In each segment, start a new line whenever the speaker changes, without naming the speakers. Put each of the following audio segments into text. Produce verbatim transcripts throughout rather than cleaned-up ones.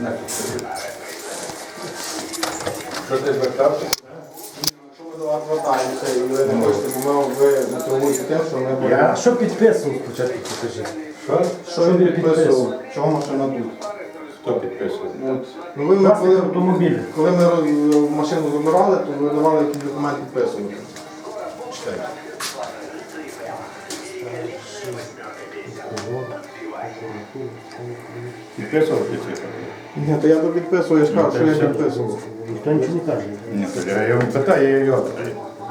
Що ти звертався?
Якщо ми до вас звертаємося і ви не хочете, бо ми ви мотивуєте тим, що ми будемо...
А що підписував спочатку, покажи?
Що? Що
Що
він
ви
підписував?
підписували?
Чого машина тут?
Хто підписував?
От. Ну, ви, ми,
Власник
коли,
автомобіля.
коли ми роз- машину забирали, то ви давали якийсь документ підписувати. Читайте.
Підписував підписував?
Ні, то я то підписую, я ж кажу, що я
все.
підписував.
Ніхто нічого не каже.
Ні, то я його питаю, я його питаю.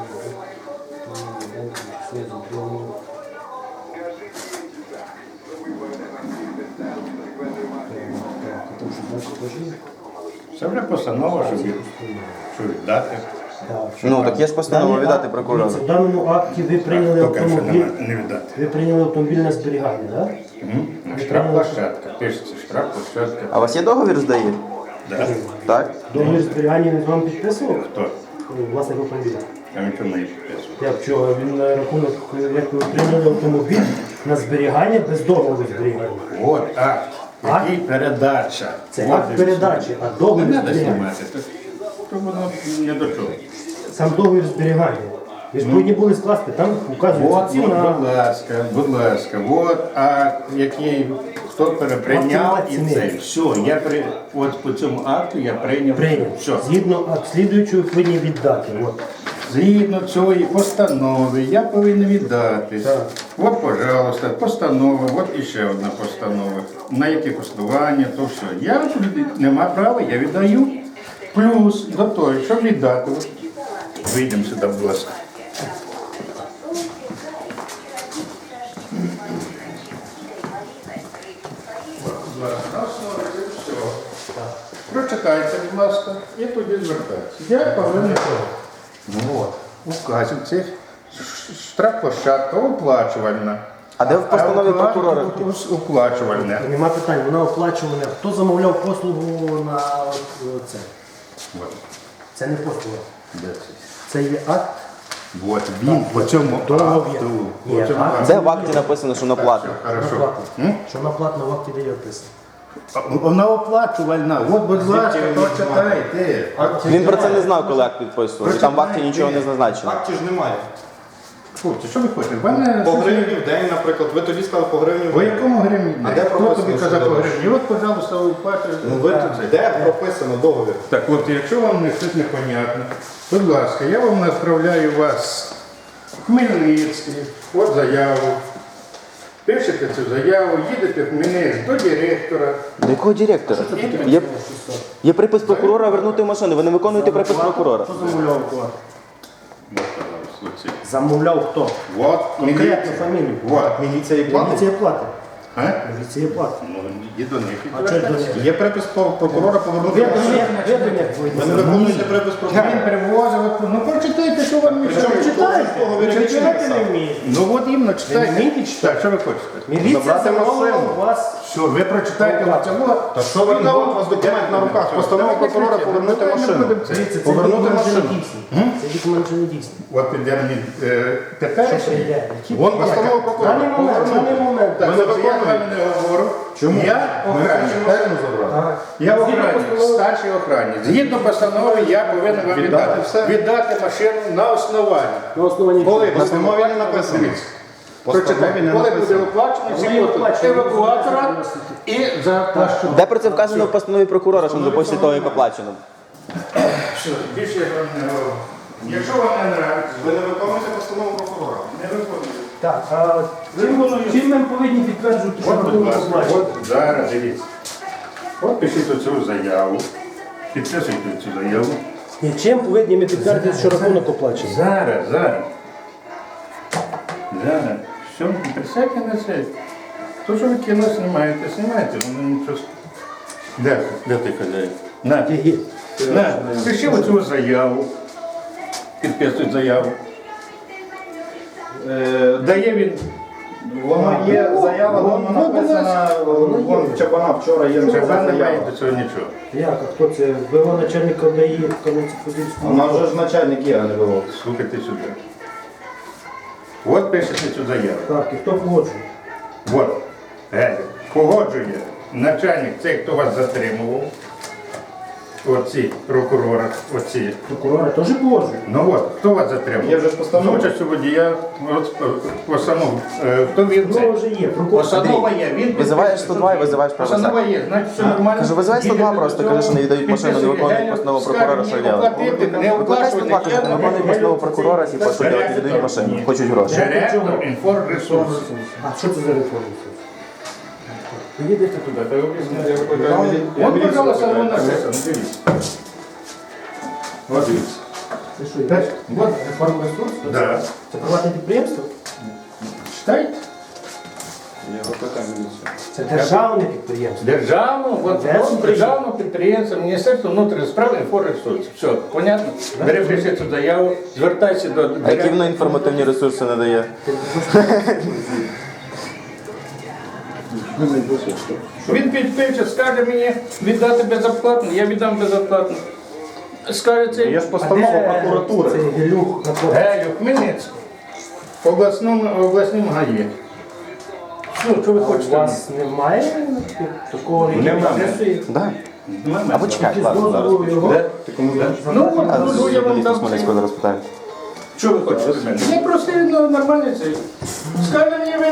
Це вже постанова, щоб їх- що віддати.
Ну, так є ж постанова віддати прокурору.
В даному акті ви прийняли
Поки що
автомобіль.
нема- не віддати.
Ви прийняли автомобіль на зберігання, так?
Мгм. Штрафплощадка. Пишеться штрафплощадка.
А у вас є договір здає?
Да.
Так?
Договір зберігання він з вами підписував?
Хто?
Власник автомобіля.
А нічого не підписував.
Як чого? Він на рахунок, як ви отримали автомобіль на зберігання без договору зберігання.
От акт,
Акт?
який передача.
Це
От
акт
і все.
передачі, а
Не
договір
треба
зберігання.
знімати, то, то воно не до чого.
Сам договір зберігання. Ви ж повинні були скласти, там вказується
От, от,
ціна.
будь ласка, будь ласка, от акт, який хто переприйняв
Акт
і
ціни.
це. Все, я при, от по цьому акту я прийняв.
Прийняв.
Все.
Згідно акт слідуючого повинні віддати. От.
Згідно цієї постанови я повинен віддати.
Так.
От, пожалуйста, постанова, от іще одна постанова. На які послування, то все. Я тут нема права, я віддаю. Плюс до того, щоб віддати. от, Вийдемо сюди, будь ласка. Прочитайте, будь ласка, і тоді звертайтеся. Я повинен. Ну от, указів цих штрафплощадка оплачувальна.
А де в постанові
А оплат-
прокурора?
Оплачувальне.
Нема питань, вона оплачувана. Хто замовляв послугу на от це?
От.
Це не послуга.
Де це?
Це є акт.
От він по цьому
Договір.
акту.
Ні,
по цьому
акт.
акту.
Де в акті написано, що на плату?
На
Хорошо.
платну.
М?
Що на платну в акті де є описано.
А, Вона оплачувальна. От, будь ласка, прочитайте.
Він про це не знав, коли акт підписував. І там в акті нічого не зазначено.
Акті ж немає.
Хлопці, що ви хочете? В мене
По гривні в день, наприклад, ви тоді сказали по гривні в
по
день.
якому гривні?
А де
Хто
прописано,
тобі
що
казав по
договір?
гривні? От, пожалуйста, оплачуйте.
Ну, ви тут, де прописано договір?
Так, хлопці, якщо вам не щось непонятно, будь ласка, я вам направляю вас в Хмельницький, от заяву. Пишете цю заяву, їдете в Хмельницький до директора.
До якого директора? Є, є припис прокурора вернути машину. Ви не виконуєте припис прокурора.
Хто замовляв оплату?
От, пожалуйста, оці.
Замовляв хто?
От,
Конкретну
міліція.
фамілію.
От.
Міліція і платить?
Міліція платить.
А?
Міліція платить.
Ну, і до них.
А чого ж до них?
Є припис по- прокурора повернути
Ви до
машину.
них, ви до них
Ви не
повинні.
виконуєте припис
Він
прокурора.
привозив, от, ну прочитайте, що вам мішає.
Читайте,
договір
ви
нічого
читати
не
не
писав.
вмієте.
Ну от іменно читайте.
Ви вмієте читати?
Так, що ви хочете?
Міліція
Забрати
замовила
машину.
у вас.
Все, ви прочитайте
Так.
цього.
Та що ви, от у вас документ на руках, постанова прокурора повернути машину.
Дивіться, це
Повернути
документ вже не
машину.
дійсний. Це документ вже не дійсний.
От піде мені е, тепер.
Що це йде? Які-
Вон постанова
В
прокурора.
даний момент, в даний момент.
Так,
Ви не
я з
виконуєте?
вами не говорю.
Чому?
Я
Ми хочемо
охранник.
машину забрати.
Ага.
Я
Згідно
охранник,
постанови-
старший охранник. Згідно постанови я повинен вам
Віддати
віддати,
все?
віддати машину на основанні.
На основанні
Коли
В постанові не написано.
Дивіться.
Постанові
Прочитайте,
не
коли буде
написано.
оплачено, всі
Коли
послуги
оплачено,
евакуатора і за площу.
Де про це вказано в постанові прокурора, що після того, як оплачено?
Все, більше я вам не говорю. Якщо вам не нравиться,
Ви не виконуєте постанову прокурора.
не виконуйте.
Так, а чим, чим ми повинні підтверджувати, що
От, будь
рахунок
ласка,
оплачено?
от зараз дивіться. От пишіть оцю заяву. Підписуйте цю заяву.
Ні, чим повинні ми підтвердити, що рахунок оплачений?
Зараз, зараз. Зараз. Все, присядьте на це. То, що ви кіно знімаєте, знімаєте. Ну, нічого. Де, де ти хазяїн? На,
Є, є.
на, пиши оцю заяву. Підписуй заяву.
Е,
Дає він.
Воно є заява, воно
Ну,
написана, вон в Чабана вчора є
Це
заява.
немає до цього нічого.
Як, а хто це? Вива начальника ДАІ в Кам'янці-Подільському?
Вона вже ж начальник є, а не було.
Слухайте сюди. От пишете цю заяву.
Так, і хто погоджує?
От. Е, погоджує. начальник, цей, хто вас затримував, оці прокурори, оці.
Прокурора теж положено.
Ну от, хто вас затримав?
Є вже ж постанова.
З участю водія, от, постанова. Е, Хто він
Ну,
це?
вже є. Прокурор.
Постанова є. Він
Визиваєш сто два і визиваєш правосуддя.
Постанова є, значить все нормально.
Кажу, визивай сто два просто, кажи, що не віддають машину, не виконують постанову прокурора, що
робити. Не
Викликай сто два, кажу, не виконують постанову прокурора, типу, що
Директор.
делать, віддають машину, хочуть гроші.
Директор інформресурсу.
А що це за реформа? Поїдете туди.
От, пожалуйста, воно написано, дивіться. От дивіться.
Це що, йдеш?
От,
Реформа ресурсу?
да.
Це приватне підприємство?
Читайте.
Це державне підприємство.
Державну, от,
Де
от,
це
державне підприємство, Міністерство внутрішніх справ інформресурсу. Все, понятно? Бери пиши цю заяву, звертайся до
А які
директора.
воно інформативні ресурси надає?
Він підпише, скаже мені віддати безоплатно, я віддам безоплатно. Скаже цей
Є ж постанова прокуратури.
Це Гелюх на
Гелю, Хмельницький, в обласному, обласному ГАІ. Що, що ви
У
хочете?
вас немає такого, який
Немає.
підписує?
Да.
Немає.
Або чекай,
З
ладно, зараз.
дозволу його?
Де? Ну, от,
А
ну,
з
я вам
журналіста
дам.
Смоленського зараз питаю.
Що ви хочете від мене? Я просто ну, нормально це. Скаже мені, ви